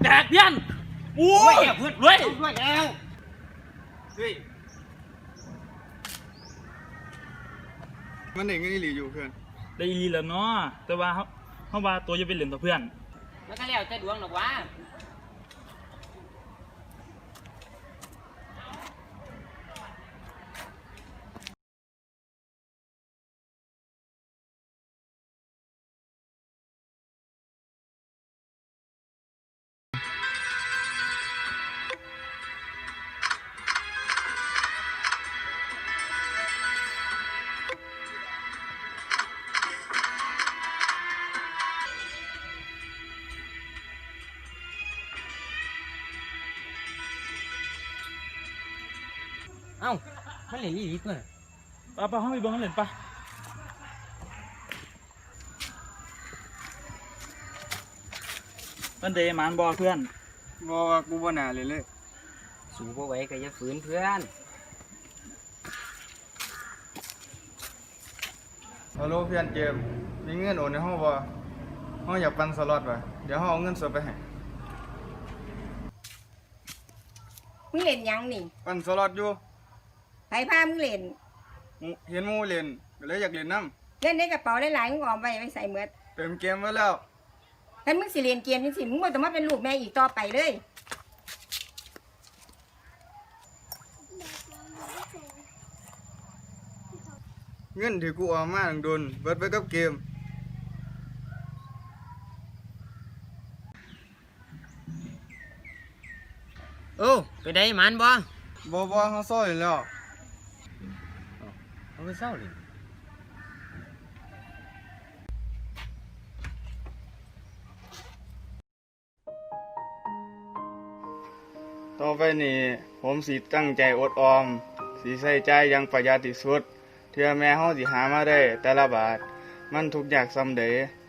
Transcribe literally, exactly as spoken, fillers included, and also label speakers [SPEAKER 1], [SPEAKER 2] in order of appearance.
[SPEAKER 1] กเพื่อนโอ้ยเพื่อนรวยรวยแล้วเฮ้ย
[SPEAKER 2] มันเด็กเงินอีหลีอยู่เพื่อน
[SPEAKER 1] ได้อีแล้วเนาะแต่ว่าเขาเขาว่าตัวจะเป็นเหรียญต่อเพื่อน
[SPEAKER 3] มันก็แล้วแต่ดวงหรอกวะเอ้ามันเหรียญอีหลีตัวน่ะ
[SPEAKER 1] ปะปะเขาไปเบิ้งเหรียญปะมันเดมันบอเพื่อน
[SPEAKER 2] บอกว่ากูบ่น่าเลยเลย
[SPEAKER 3] สู้บ่ไหวก็อย่าฝืนเพื่อน
[SPEAKER 2] ฮัลโหลเพื่อนเจมมีเงินโอนในห้องบ่ห้องอยากปั่นสล็อตว่ะเดี๋ยวห้องเอาเงินสดไปให้
[SPEAKER 4] มึงเล่นยังนี่
[SPEAKER 2] ปั่นสล็อตอยู่
[SPEAKER 4] ไผพามึงเล่น
[SPEAKER 2] เห็นหมู่เล่นก็เลยอยากเล่นน้
[SPEAKER 4] เล่นในกระเป๋าหลายๆมึงออมไว้ไว้ใส่เมือด
[SPEAKER 2] ำเติมเกมไว้แล้ว
[SPEAKER 4] ถ้ามึงสิเล่นเกมจังซี่มึงบ่ต้องมาเป็นลูกแม่อีกต่อไปเลย
[SPEAKER 2] เงินที่กูเอามาตั้งโดนเบิดไปกับเกม
[SPEAKER 3] โอ้ไปได้มันบ่
[SPEAKER 2] บ่บ่เฮาซ้อยแล้ว
[SPEAKER 3] เอาไปเศร้าเลย
[SPEAKER 2] ต่อไปนี้ผมสิตั้งใจอดออมสิใส่ใจอยังประหยัดที่สุดเพื่อแม่เฮาสิหามาได้แต่ละบาทมันทุกอย่างส่ำใด